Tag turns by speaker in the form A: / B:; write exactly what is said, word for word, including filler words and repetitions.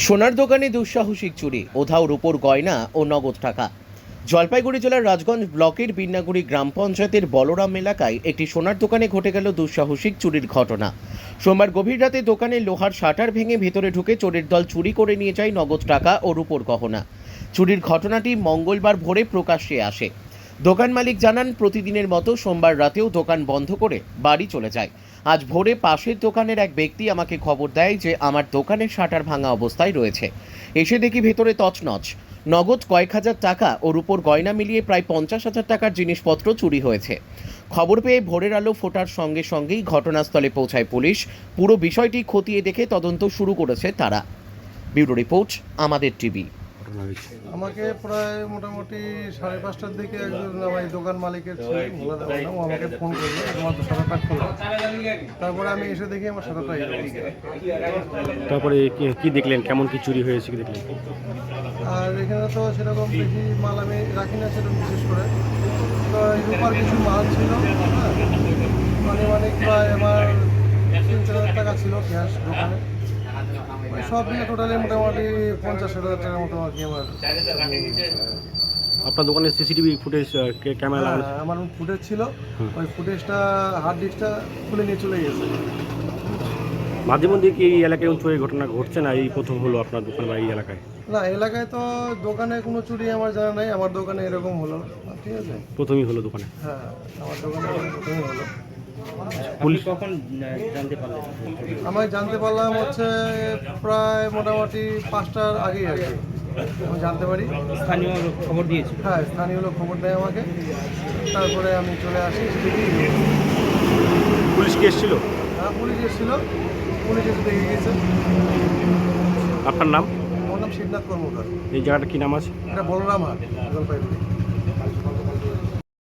A: সোনার দোকানে দুঃসাহসিক চুরি, উধাও রূপোর গয়না ও নগদ টাকা। জলপাইগুড়ি জেলার রাজগঞ্জ ব্লকের বিন্নাগুড়ি গ্রাম পঞ্চায়েতের বলরাম এলাকায় একটি সোনার দোকানে ঘটে গেল দুঃসাহসিক চুরির ঘটনা। সোমবার গভীর রাতে দোকানের লোহার শাটার ভেঙে ভেতরে ঢুকে চোরের দল চুরি করে নিয়ে যায় নগদ টাকা ও রূপোর গহনা। চুরির ঘটনাটি মঙ্গলবার ভোরে প্রকাশ্যে আসে। দোকান মালিক জানান, প্রতিদিনের মতো সোমবার রাতেও দোকান বন্ধ করে বাড়ি চলে যায়। আজ ভোরে পাশের দোকানের এক ব্যক্তি আমাকে খবর দেয় যে আমার দোকানের শাটার ভাঙা অবস্থায় রয়েছে। এসে দেখি ভেতরে তছনছ, নগদ কয়েক হাজার টাকা ও রূপোর গয়না মিলিয়ে প্রায় পঞ্চাশ হাজার টাকার জিনিসপত্র চুরি হয়েছে। খবর পেয়ে ভোরের আলো ফোটার সঙ্গে সঙ্গেই ঘটনাস্থলে পৌঁছায় পুলিশ। পুরো বিষয়টি খতিয়ে দেখে তদন্ত শুরু করেছে তারা। ব্যুরো রিপোর্ট, আমাদের টিভি।
B: আমাকে প্রায় মোটামুটি সাড়ে পাঁচটার দিকে একজন আমার দোকান মালিকের ছেলে মোলা দেওয়া নাম, ও আমাকে ফোন করলো, তোমার তো শাটারটা খোলা। তারপরে আমি এসে দেখি আমার শাটারটা এই অবস্থা।
C: তারপরে কি- কি দেখলেন, কেমন কি চুরি হয়েছে কি দেখলেন?
B: আর এখানে তো সেরকম বেশি মাল আমি রাখি না, সেরকম বিশেষ করে তো এই রূপার কিছু মাল ছিল, হ্যাঁ মানে মানে প্রায় আমার তিন চার হাজার টাকা ছিল ক্যাশ দোকানে। ওই সব মিলে টোটালি মোটামুটি পঞ্চাশ হাজার টাকার মতো আর কি আমার।
C: আপনার দোকানের সিসিটিভি ফুটেজ ক্যামেরা লাগানো
B: হ্যাঁ, আমার ফুটেজ ছিল, ওই ফুটেজটা হার্ড ডিস্কটা খুলে নিয়ে চলে গেছে।
C: মাঝে মধ্যে কি এই এলাকায় এরকম চুরির ঘটনা ঘটছে, না এই প্রথম হলো আপনার দোকান বা এই এলাকায়?
B: না, এলাকায় তো দোকানে কোনো চুরি আমার জানা নাই, আমার দোকানে এরকম হলো, ঠিক আছে।
C: প্রথমই হলো দোকানে।
B: হ্যাঁ, আমার দোকানে প্রথমই হলো।
C: পুলিশ
D: কখন জানতে পারলেন?
B: আমি জানতে পারলাম হচ্ছে প্রায় মোটামুটি পাঁচটার আগেই আর কি আমি জানতে পারি।
D: স্থানীয় লোক খবর দিয়েছে।
B: হ্যাঁ, স্থানীয় লোক খবর দেয় আমাকে, তারপরে আমি চলে আসি। দেখি
C: পুলিশ কি এসেছিল?
B: হ্যাঁ, পুলিশ এসেছিল, পুলিশ এসে দেখে গেছে।
C: আপনার নাম?
B: আমার নাম শিবনাথ কর্মকার।
C: এই জায়গাটা কি নাম আছে?
B: এটা বলরাম হাট, জলপাইগুড়ি।